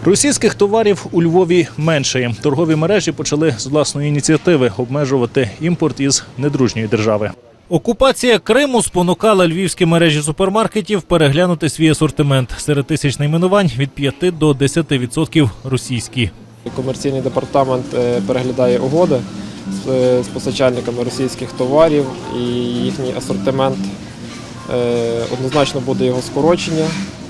Російських товарів у Львові меншає. Торгові мережі почали з власної ініціативи обмежувати імпорт із недружньої держави. Окупація Криму спонукала львівські мережі супермаркетів переглянути свій асортимент. Серед тисяч найменувань від 5 до 10% російські. Комерційний департамент переглядає угоди з постачальниками російських товарів і їхній асортимент. Однозначно буде його скорочення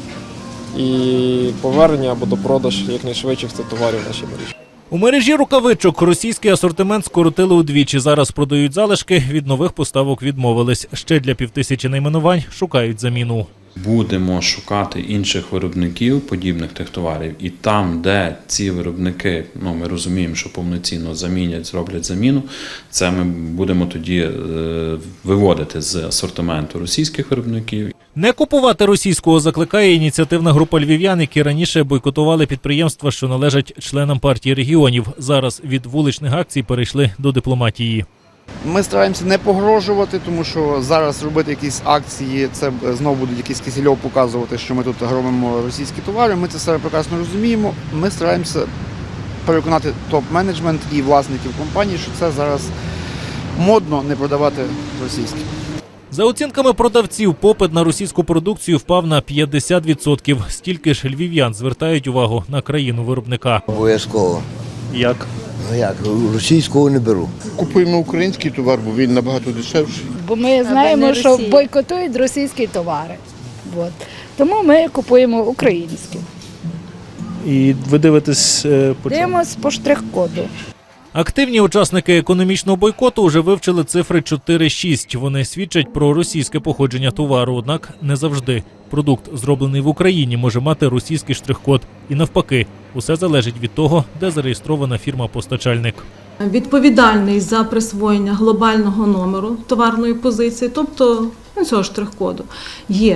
і повернення або допродаж якнайшвидших цих товарів в нашій мережі. У мережі рукавичок російський асортимент скоротили удвічі. Зараз продають залишки, від нових поставок відмовились. Ще для 5000 найменувань шукають заміну. Будемо шукати інших виробників подібних тих товарів. І там, де ці виробники, ми розуміємо, що повноцінно замінять, зроблять заміну, це ми будемо тоді виводити з асортименту російських виробників. Не купувати російського закликає ініціативна група львів'ян, які раніше бойкотували підприємства, що належать членам партії регіонів. Зараз від вуличних акцій перейшли до дипломатії. Ми стараємося не погрожувати, тому що зараз робити якісь акції, це знову будуть якийсь кисельов показувати, що ми тут робимо російські товари. Ми це все прекрасно розуміємо. Ми стараємося переконати топ-менеджмент і власників компаній, що це зараз модно не продавати російське. За оцінками продавців, попит на російську продукцію впав на 50%. Стільки ж львів'ян звертають увагу на країну виробника. Обов'язково. Як? Ну як, російського не беру. Купуємо український товар, бо він набагато дешевший. Бо ми знаємо, що бойкотують російські товари. От. Тому ми купуємо українські. І ви дивитесь по чому? Дивимось по штрих-коду. Активні учасники економічного бойкоту вже вивчили цифри 4-6. Вони свідчать про російське походження товару, однак не завжди. Продукт, зроблений в Україні, може мати російський штрих-код. І навпаки, усе залежить від того, де зареєстрована фірма-постачальник. Відповідальний за присвоєння глобального номеру товарної позиції, тобто цього штрих-коду, є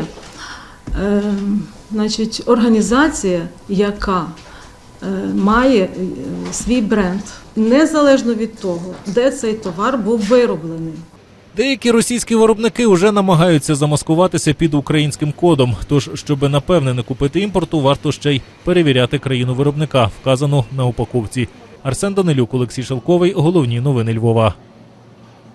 організація, яка має свій бренд, незалежно від того, де цей товар був вироблений. Деякі російські виробники вже намагаються замаскуватися під українським кодом. Тож, щоб напевне не купити імпорту, варто ще й перевіряти країну виробника, вказану на упаковці. Арсен Данилюк, Олексій Шелковий. Головні новини Львова.